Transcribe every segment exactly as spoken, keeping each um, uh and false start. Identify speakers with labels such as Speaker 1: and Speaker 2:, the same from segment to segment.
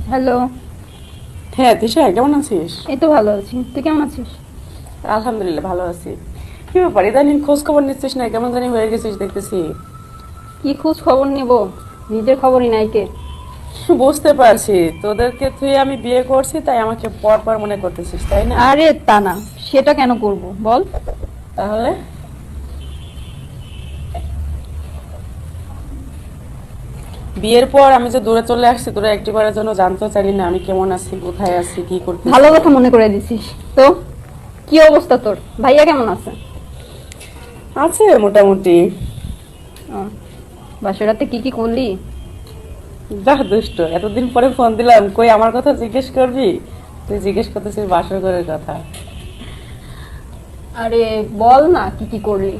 Speaker 1: Hello.
Speaker 2: হ্যাঁ তিশা, কেমন আছিস?
Speaker 1: এই তো ভালো আছি, তুই কেমন আছিস?
Speaker 2: আলহামদুলিল্লাহ ভালো আছি। কি ব্যাপার, ইদানিং খোঁজ খবর নিচ্ছিস না, কেমন জানি হয়ে গেছিস দেখতেছি।
Speaker 1: কি খোঁজ খবর নেব, নিজের খবরই নাই কে।
Speaker 2: বুঝতে পারছি, তোদেরকে তুই আমি বিয়ে করছি তাই আমাকে পর পর মনে করতেছিস, তাই না?
Speaker 1: আরে তা না, সেটা কেন করব বল।
Speaker 2: তাহলে বিয়ের পর আমি যে দূরে চলে আসছি, তোরা একটিবারের জন্য জানতে চাইলি না আমি কেমন আছি, কোথায় আছি, কি
Speaker 1: ভালো
Speaker 2: করতেছি।
Speaker 1: কথা মনে করে দিছিস তো। কি অবস্থা তোর, ভাইয়া কেমন আছে?
Speaker 2: আছে মোটামুটি।
Speaker 1: ও, বাসর রাতে কি কি করলি?
Speaker 2: বাহ দুষ্ট, এতদিন পরে ফোন দিলাম, কই আমার কথা জিজ্ঞেস করবি? তুই জিজ্ঞেস করতেছিস বাসর ঘরের কথা।
Speaker 1: আরে বল না কি কি করলি।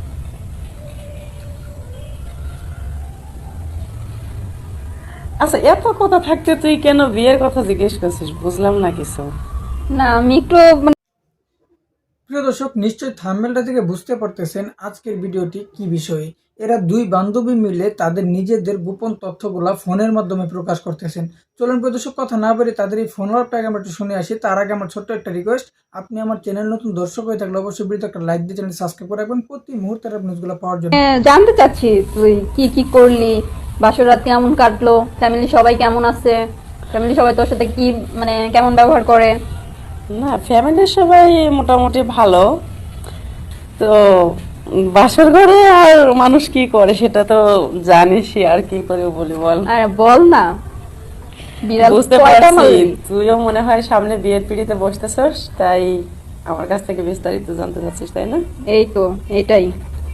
Speaker 2: আচ্ছা, এত কথা থাকতে তুই কেন বিয়ের কথা জিজ্ঞেস করছিস, বুঝলাম না কিছু।
Speaker 1: না আমি একটু মানে
Speaker 3: প্রিয় দর্শক, নিশ্চয়ই থাম্বনেলটা থেকে বুঝতে পারতেছেন আজকের ভিডিওটি কি বিষয়ে। এরা দুই বান্ধবী মিলে তাদের নিজেদের গোপন তথ্যগুলা ফোনের মাধ্যমে প্রকাশ করতেছেন। চলুন প্রিয় দর্শক, কথা না বলে তাদের এই ফোন ওয়ার্কটাকে আমরা একটু শুনে আসি। তার আগে আমার ছোট্ট একটা রিকোয়েস্ট, আপনি আমার চ্যানেল নতুন দর্শক হয়ে থাকলে অবশ্যই ভিডিওতে একটা লাইক দিয়ে চ্যানেল সাবস্ক্রাইব করে রাখবেন প্রতি মুহূর্তের নিউজগুলো পাওয়ার জন্য।
Speaker 1: জানতে চাচ্ছি তুই কি কি করলি, বাসর রাত কেমন কাটলো, ফ্যামিলি সবাই কেমন আছে, ফ্যামিলি সবাই তোর সাথে কি মানে কেমন ব্যবহার করে।
Speaker 2: না, ফ্যামিলির সবাই মোটামুটি ভালো। তো বাসর ঘরে আর মানুষ কি করে সেটা তো জানিসই, আর কি করে বলি বল।
Speaker 1: আরে বল না, বিড়াল
Speaker 2: বুঝতে
Speaker 1: কয়টা
Speaker 2: পারছি
Speaker 1: মারলি?
Speaker 2: তুইও মনে হয় সামনে বিয়ের পিড়িতে বসতেছস, তাই আমার কাছ থেকে বিস্তারিত জানতে চাচ্ছিস, তাই না?
Speaker 1: এই তো এটাই।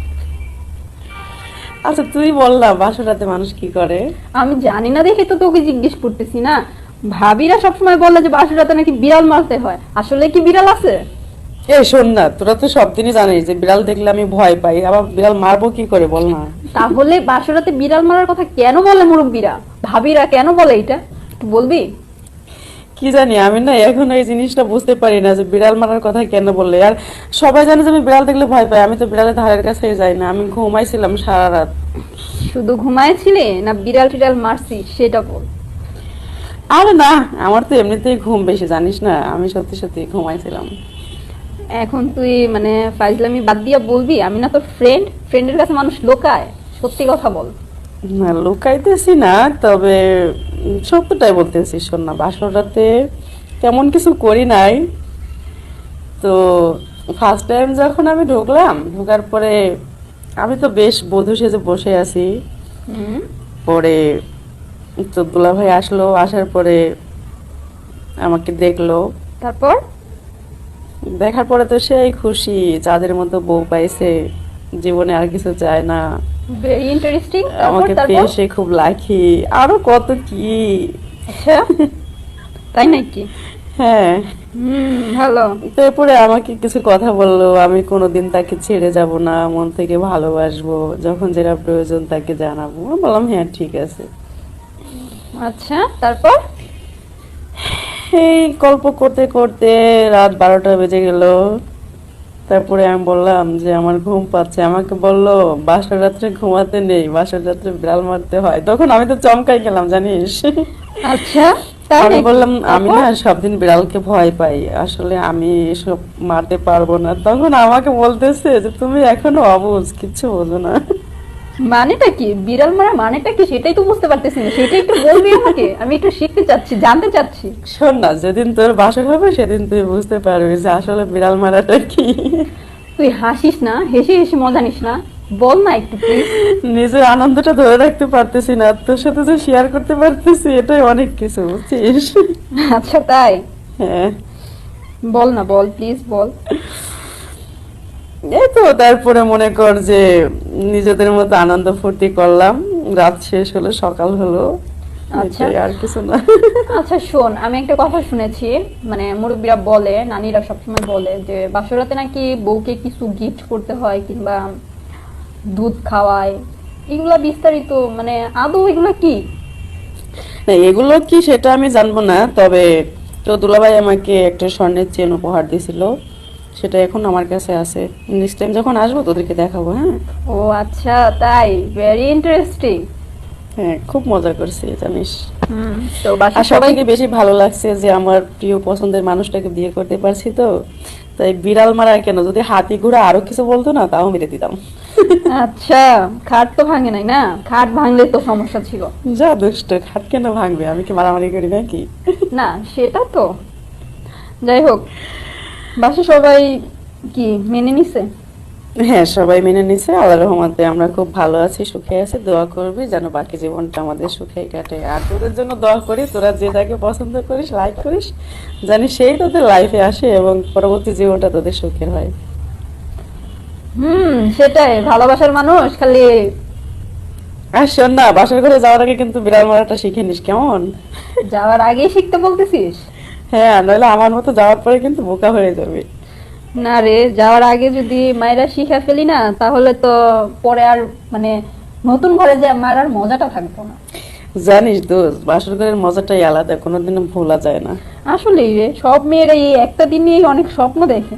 Speaker 2: আচ্ছা তুই বল না, বাসর রাতে মানুষ কি করে?
Speaker 1: আমি জানি না দেখে তো তোকে জিজ্ঞেস করতেছি না। ভাবিরা সবসময় বলে যে বাসর রাতে নাকি বিড়াল মারতে হয়, আসলে কি বিড়াল আছে?
Speaker 2: এই শোন না, তোরা তো সব দিনই জানিস যে বিড়াল দেখলে আমি ভয় পাই, আবার বিড়াল মারবো কি করে বল না।
Speaker 1: তাহলে বাসর রাতে বিড়াল মারার কথা কেন বলে মুরব্বীরা, ভাবিরা কেন বলে এটা একটু বলবি?
Speaker 2: কি জানি, আমি না এখন এই জিনিসটা বুঝতে পারি না যে বিড়াল মারার কথা কেন বললে। আর সবাই জানে যে আমি বিড়াল দেখলে ভয় পাই, আমি তো বিড়ালের ধারের কাছে যাই না, আমি ঘুমাইছিলাম সারা রাত।
Speaker 1: শুধু ঘুমাইছিলি না বিড়াল টিড়াল মারছি সেটা বল।
Speaker 2: আরে না, আমার তো এমনিতেই ঘুম বেশি, জানিস না, আমি সত্যি সত্যি ঘুমাইছিলাম।
Speaker 1: এখন তুই মানে ফাইজলামি বাদ দিয়া বলবি আমি না তোর ফ্রেন্ড, ফ্রেন্ডের কাছে মানুষ লোকায়, সত্যি কথা বল।
Speaker 2: না লুকাইতেছি না, তবে উম, সত্যটাই বলতেছি। শোন না, বাসর রাতে তেমন কিছু করি নাই। তো ফার্স্ট টাইম যখন আমি ঢুকলাম, ঢোকার পরে আমি তো বেশ বধূ সেজে বসে আছি।
Speaker 1: হুম,
Speaker 2: পরে তো দুলাভাই আসলো, আসার পরে আমাকে দেখলো।
Speaker 1: তারপর?
Speaker 2: দেখার পরে তো সেই খুশি, যাদের মতো বউ পাইছে, জীবনে আর কিছু চায় না।
Speaker 1: Very interesting. তারপর
Speaker 2: আমাকে
Speaker 1: তারপর
Speaker 2: পেয়ে সে খুব লাখি, আরো কত কি।
Speaker 1: আচ্ছা, তাই নাকি?
Speaker 2: হ্যাঁ।
Speaker 1: হুম, ভালো।
Speaker 2: তারপরে আমাকে কিছু কথা বললো, আমি কোনোদিন তাকে ছেড়ে যাব না, মন থেকে ভালোবাসবো, যখন যেটা প্রয়োজন তাকে জানাবো। আমি বললাম হ্যাঁ ঠিক আছে।
Speaker 1: আচ্ছা, তারপর?
Speaker 2: এই গল্প করতে করতে রাত বারোটা বেজে গেল। তারপরে আমি বললাম যে আমার ঘুম পাচ্ছে, আমাকে বললো বাসর রাত্রে ঘুমাতে নেই, বাসর রাত্রে বিড়াল মারতে হয়। তখন আমি তো চমকাই গেলাম জানিস।
Speaker 1: আচ্ছা, তাই
Speaker 2: আমি
Speaker 1: নাকি?
Speaker 2: বললাম আমি
Speaker 1: তারপর?
Speaker 2: না সব দিন বিড়ালকে ভয় পাই, আসলে আমি এসব মারতে পারবো না। তখন আমাকে বলতেছে যে তুমি এখনো অবুঝ, কিচ্ছু বোঝো না।
Speaker 1: মানেটা কি বিড়াল মারা, মানেটা কি সেটাই তো বুঝতে পারতেছি না, সেটা একটু বলবি আমাকে, আমি একটু শিখতে চাচ্ছি, জানতে চাচ্ছি।
Speaker 2: শোন না, যেদিন তোর বাসর হবে সেদিন তুই বুঝতে পারবি যে আসলে বিড়াল মারাটা কি।
Speaker 1: তুই হাসিস না, হেসে হেসে মজা নিস না, বল না একটু প্লিজ।
Speaker 2: নিজের আনন্দটা ধরে রাখতে পারতেছি না, তোর সাথে যে শেয়ার করতে পারতেছি এটাই অনেক কিছু, বুঝছিস?
Speaker 1: আচ্ছা তাই,
Speaker 2: হ্যাঁ।
Speaker 1: বল না, বল প্লিজ বল।
Speaker 2: এই তো তারপরে মনে কর যে নিজেদের মতো আনন্দ ফুর্তি করলাম, রাত শেষ হলো, সকাল হলো।
Speaker 1: আচ্ছা।
Speaker 2: এটাই, আর কিছু না।
Speaker 1: আচ্ছা শোন, আমি একটা কথা শুনেছি, মানে মুরব্বীরা বলে, নানীরা সবসময় বলে যে বাসরাতে নাকি বউকে কিছু গিফট করতে হয় কিংবা দুধ খাওয়ায়, এগুলা বিস্তারিত মানে আদৌ এগুলা কি?
Speaker 2: না, এগুলো কি সেটা আমি জানবো না, তবে তো দুলাভাই আমাকে একটা স্বর্ণের চেন উপহার দিয়েছিল, সেটা এখন আমার কাছে আছে। নেক্সট টাইম যখন আসবো তোদেরকে দেখাবো। হ্যাঁ।
Speaker 1: ও আচ্ছা তাই, ভেরি ইন্টারেস্টিং।
Speaker 2: হ্যাঁ, খুব মজা করছি জানিস।
Speaker 1: হুম, তো বাসার
Speaker 2: আর সব
Speaker 1: সবাই
Speaker 2: থেকে বেশি ভালো লাগছে যে আমার প্রিয় পছন্দের মানুষটাকে বিয়ে করতে পারছি, তো তাই বিড়াল মারা কেন, যদি হাতি ঘোড়া আরো কিছু বলতো না তাও মেরে দিতাম।
Speaker 1: আচ্ছা, খাট তো ভাঙে নাই না? খাট ভাঙলে তো সমস্যা ছিল।
Speaker 2: যা দুষ্ট, খাট কেন ভাঙবে, আমি কি মারামারি করি নাকি?
Speaker 1: না সেটা তো, যাই হোক, বাসা সবাই কি মেনে নিছে?
Speaker 2: হ্যাঁ, সবাই মেনে নিছে, আল্লাহর রহমতে আমরা খুব ভালো আছি, সুখে আছি। দোয়া করবি যেন বাকি জীবনটা আমাদের সুখে কাটে। আর তোদের জন্য দোয়া করি, তোরা যে যাকে পছন্দ করিস, লাইক করিস, জানি সেই তোদের লাইফে আসে এবং পরবর্তী জীবনটা তোদের সুখের হয়।
Speaker 1: হুম, সেটাই, ভালোবাসার মানুষ খালি।
Speaker 2: আর শোন না, বাসার ঘরে যাওয়ার আগে কিন্তু বিড়াল মারাটা শিখে নিস, কেমন?
Speaker 1: যাওয়ার আগেই শিখতে বলতেছিস?
Speaker 2: হ্যাঁ, নইলে আমার মতো যাওয়ার পরে কিন্তু বোকা হয়ে যাবে।
Speaker 1: না রে, যাওয়ার আগে যদি মায়েরা শিখে ফেলি না, তাহলে তো পরে আর মানে নতুন ঘরে যে মারার মজাটা থাকবো না।
Speaker 2: জানিস দোস্ত, বাসর ঘরের মজাটাই আলাদা, কোনোদিনও ভোলা যায় না।
Speaker 1: আসলেই রে, সব মেয়েরা এই একটা দিন নিয়েই অনেক স্বপ্ন দেখে।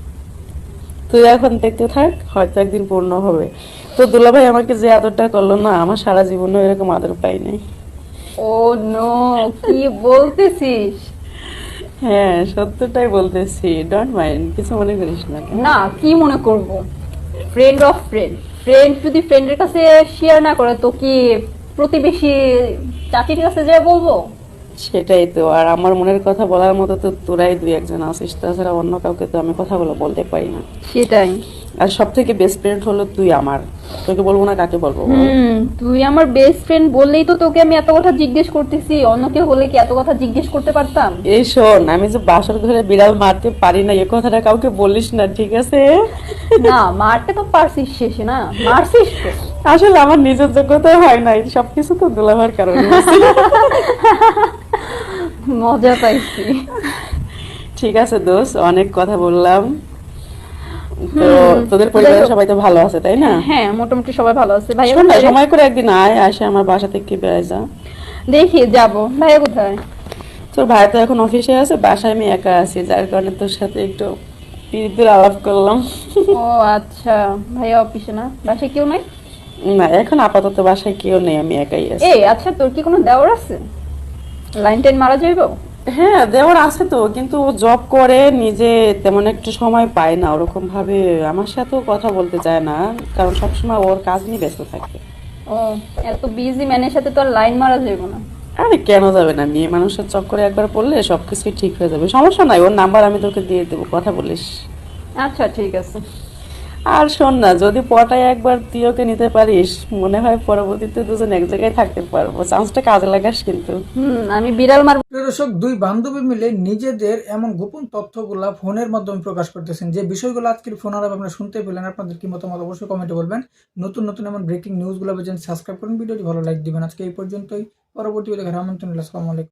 Speaker 2: তুই এখন দেখতে থাক, হয়তো একদিন পূর্ণ হবে। তো দুলাভাই আমাকে যে আদরটা করলো না, আমার সারা জীবনে এরকম আদর পাই নাই।
Speaker 1: ও নো, কি বলতেছিস?
Speaker 2: হ্যাঁ, সত্যটাই বলতেছি, ডোন্ট মাইন্ড, কিছু মনে করিস না।
Speaker 1: না, কি মনে করব, ফ্রেন্ড অফ ফ্রেন্ড, ফ্রেন্ড যদি ফ্রেন্ডের কাছে শেয়ার না করে তো কি প্রতিবেশী চাচির কাছে যা বলবো?
Speaker 2: সেটাই তো, আর আমার মনের কথা বলার মতো তো তোরাই দুই একজন আছিস, তাছাড়া অন্য কাউকে তো আমি কথাগুলো বলতে পারি না।
Speaker 1: সেটাই।
Speaker 2: আর সব থেকে বেস্ট ফ্রেন্ড হলো তুই আমার, তোকে বলবো না কাকে বলবো বল?
Speaker 1: হুম, তুই আমার বেস্ট ফ্রেন্ড বললেই তো তোকে আমি এত কথা জিজ্ঞেস করতেছি, অন্য কেউ হলে কি এত কথা জিজ্ঞেস করতে পারতাম?
Speaker 2: এই শোন, আমি যে বাসর ঘরে বিড়াল মারতে পারি না এ কথাটা কাউকে বলিস না, ঠিক আছে?
Speaker 1: না, মারতে তো পারছিস শেষে, না মারছিস তো।
Speaker 2: আসলে আমার নিজের যোগ্যতা হয় নাই, সবকিছু তো দুলাভার কারণে হয়েছে।
Speaker 1: মজা পাইছি।
Speaker 2: ঠিক আছে দোস্ত, অনেক কথা বললাম। তো
Speaker 1: হুম,
Speaker 2: তোদের পরিবারের সবাই তো ভালো আছে তাই না?
Speaker 1: হ্যাঁ, মোটামুটি সবাই ভালো আছে। ভাইয়া
Speaker 2: শোন না,
Speaker 1: কোথায় রে?
Speaker 2: সময় করে একদিন আয়, আসে আমার বাসা থেকে বেড়াই যা।
Speaker 1: দেখি যাবো। ভাইয়া কোথায়?
Speaker 2: তোর ভাই তো এখন অফিসে আছে, বাসায় আমি একা আছি, যার কারণে তোর সাথে একটু প্রীতির আলাপ করলাম।
Speaker 1: ও আচ্ছা, ভাইয়া অফিসে না, বাসায় কেউ নাই?
Speaker 2: না, এখন আপাতত বাসায় কেউ নেই, আমি একাই আছি।
Speaker 1: এই আচ্ছা, তোর কি কোনো দেওর আছে? লাইন টাইন মারা যাইব?
Speaker 2: হ্যাঁ, দেওয়ার আছে তো, কিন্তু ও জব করে, নিজে তেমন একটু সময় পায় না ওরকম ভাবে, আমার সাথেও কথা বলতে চায় না, কারণ সবসময় ওর কাজ নিয়ে ব্যস্ত থাকে।
Speaker 1: ও, এত বিজি ম্যানের সাথে তো আর লাইন মারা যাইব না।
Speaker 2: আরে কেন যাবে না, মেয়ে মানুষের চক্করে একবার পড়লে সবকিছুই ঠিক হয়ে যাবে, সমস্যা নাই, ওর নাম্বার আমি তোকে দিয়ে দেবো, কথা বলিস।
Speaker 1: আচ্ছা ঠিক আছে।
Speaker 2: আর শোন না, যদি পটায় একবার তুই ওকে নিতে পারিস, মনে হয় পরবর্তীতে দুজন এক জায়গায় থাকতে পারবো, চান্সটা কাজে লাগাস কিন্তু।
Speaker 1: হুম, আমি বিড়াল মার।
Speaker 3: প্রিয় দর্শক, দুই বান্ধবী মিলে নিজেদের এমন গোপন তথ্যগুলা ফোনের মাধ্যমে প্রকাশ করতেছেন, যে বিষয়গুলো আজকের ফোন আলাপ আপনারা শুনতে পেলেন। আপনাদের কি মতামত অবশ্যই কমেন্টে বলবেন। নতুন নতুন এমন ব্রেকিং নিউজগুলো পেয়েছেন, সাবস্ক্রাইব করুন, ভিডিওটি ভালো লাইক দিবেন। আজকে এই পর্যন্তই, পরবর্তী ভিডিও দেখার আমন্ত্রণ রইলো। আসসালামু আলাইকুম।